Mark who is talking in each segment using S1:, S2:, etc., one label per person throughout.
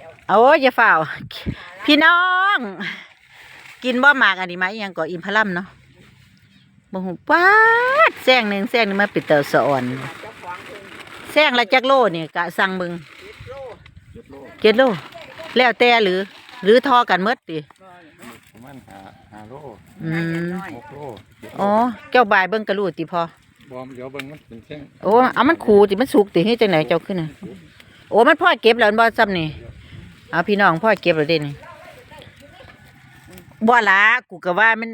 S1: โอ้ยอย่าฝ่าวพี่น้อง กินบ่หมากอันนี้ไหมยังก่ออินพลัมเนาะบ่หูป้าดแซงหนึ่งมาปิดเตาสะอ่อนแซงละจักโลนี่กะสั่งมึงเจ็ดโลแล้วแต่หรือทอกันเมดดิ
S2: ประมาณห้าโล6 โล
S1: อ๋อเจ้าบายเบิ่งกระลูติพอบ
S2: อมเดี๋ยวเบิ่งมันเป็นเส้น
S1: โอ้เอามันขู่ติมันสุกติให้จังไหนเจ้าขึ้นน่ะโอ้มันพ่อเก็บแล้วบ่ซ้ำนี่เอาพี่น้องพ่อเก็บแล้วเด้นี่บ่ละกูก็ว่ามัน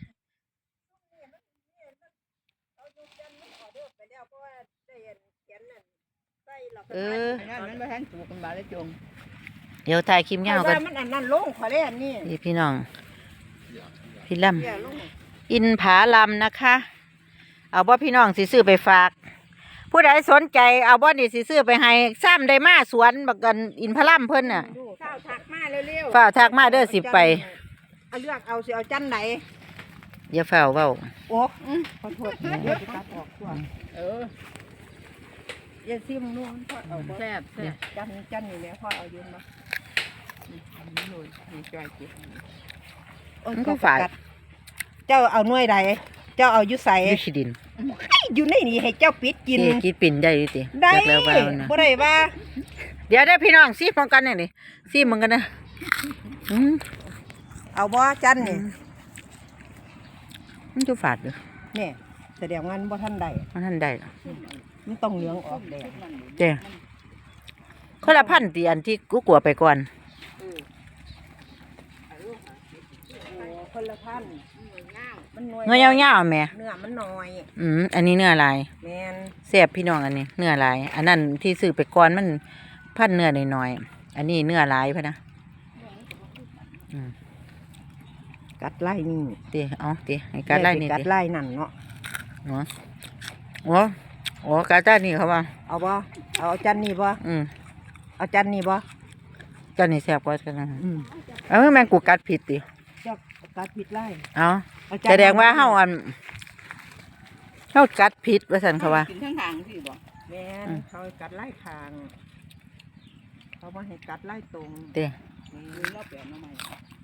S1: เดี๋ยวถ่ายคลิปยาวกัน
S3: มันอันนั้นลงขอเล่น
S1: นี่พี่น้องพี่ลำอินผาลำนะคะเอาบ่พี่น้องสิซื้อไปฝากผู้ใดสนใจเอาบ่นี่สิซื้อไปให้ซ้ำได้มาสวนบักกันอินผาลำเพิ่นน่ะ
S3: ฝ้าวทักมาเร็ว
S1: ฝ้าวทักมาเด้อสิไป
S3: เอาเลือกเอาสิเอาจันไหน
S1: อย่าฝ้าวเว้า
S3: โอ้ขอโทษเดี๋ยวจะตัดออกตัวอย่าซิมนู่นพ่อเอาแซ่บจันนี่แหละพ่อเอายืนมา
S1: มันก็ฝาด
S3: เจ้าเอาหน่วยใดเจ้าเอายุใส่
S1: ยุชิดิน
S3: อยู่ในนี่ให้เจ้าปิดกิน
S1: ปิ่นได้ดิ
S3: ได้บ่ได้ว่า
S1: เดี๋ยวได้พี่น้องซีมองกันนี่ซีมองกันนะ
S3: เอาบ่จันนี่
S1: มันจะฝาดเลย
S3: นี่แสดงว่าบ่ท่านใดมันต้องเหลืองออกแดง
S1: เจ้คนละพันตีอันที่กูกลัวไปก่อน
S3: คนละพัน
S1: เนื้อยาวๆแม่
S3: เนื้อมันน้อย
S1: อันนี้เนื้อลาย
S3: แม่น
S1: แซ่บพี่น้องอันนี้เนื้อลายอันนั้นที่ซื้อไปก่อนมันพันเนื้อหน่อยๆอันนี้เนื้อลายพะนะ
S3: กัดไล่นี่
S1: ตีให้กัดไล่นี่
S3: กัดไล่นั่นเนาะ
S1: โอ้กัดจ้านี่เขาว่า
S3: เอาบ่เอาจันนี่บ่เอาจันนี่บ่
S1: จันนี่แซ่บกว่ากันนะแม่งกูกัดผิดติ
S3: เจ้ากัดผิดไล่
S1: แสดงว่าเฮากัดผิดว่าซั่นเขาว่า
S3: กินข้างทางสิบ่แม่นเขากัดไล่ทางเขาบ่ให้กัดไล่ตรง
S1: ติ
S3: รอบแบบน้องใหม่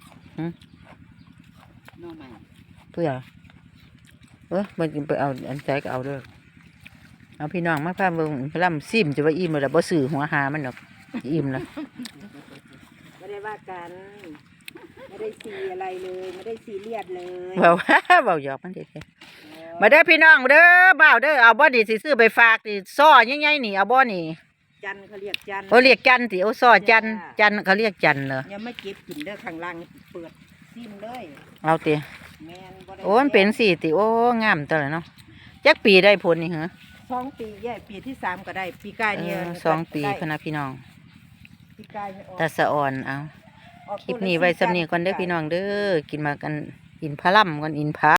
S3: น้องใหม่
S1: เพื่อมันกินไปเอาอันใจก็เอาเด้อเอาพี่น้องมาพาเบิ่งพลัมซิมจะว่าอิ่มแล้วบ่ซื้อหัวหามันดอกอิ่มแล้ว
S3: ไม่ได้ว่ากันไม่ได้ซีอะไรเลยไม่ได้ซีเรียสเลย
S1: เบาหยอกมันเด็ดมาเด้อพี่น้องเด้อบ่าวเด้อเอาบ่นี่สิซื้อไปฝากนี่ซ้อใหญ่ๆนี่เอาบ่นี่
S3: จันเขาเรียกจัน
S1: เรียกจันสิเอาซ้อจันเขาเรียกจันเหรอ
S3: ยังไม่เก็บกินเด้อข้างล่างเปิดซิมเลย
S1: เอาติโอ้มันเป็นสี่ติโอ้งามตัวเลยเนาะจักปีได้ผลนี่เหรอ
S3: 2 ปีปีที่3ก็ได้ปีกายเนี่ย
S1: 2 ปีพนะพี่น้องตาสะอ่อนเอาคลิปนี้ไว้สำเนียงก่อนเด้อพี่น้องเด้อกินมากันอินพลัมกันอินพา